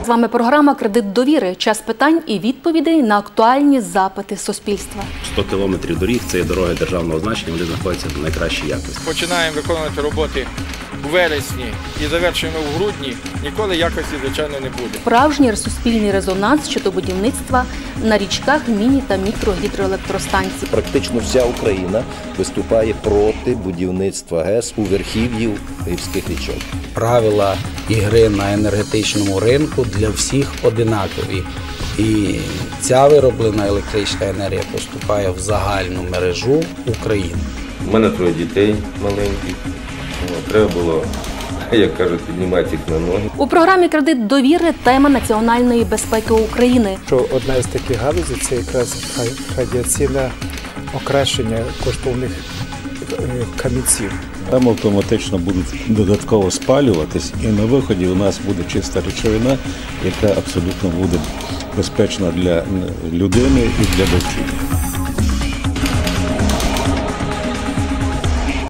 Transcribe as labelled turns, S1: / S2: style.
S1: З вами програма «Кредит довіри». Час питань і відповідей на актуальні запити суспільства.
S2: 100 кілометрів доріг – це є дороги державного значення, вони знаходяться в найкращій якості.
S3: Починаємо виконувати роботи у вересні і завершуємо в грудні, ніколи якості, звичайно, не буде.
S1: Справжній суспільний резонанс щодо будівництва на річках міні- та мікрогідроелектростанцій.
S4: Практично вся Україна виступає проти будівництва ГЕС у верхів'ї гірських річок.
S5: Правила ігри на енергетичному ринку для всіх одинакові. І ця вироблена електрична енергія поступає в загальну мережу України.
S6: У мене 3 дітей маленьких. Треба було, як кажуть, піднімати їх на ноги.
S1: У програмі «Кредит довіри» тема національної безпеки України.
S7: Одна з таких галузей – це якраз радіаційне окрашення коштовних камінців.
S8: Там автоматично будуть додатково спалюватись, і на виході у нас буде чиста речовина, яка абсолютно буде безпечна для людини і для довкілля.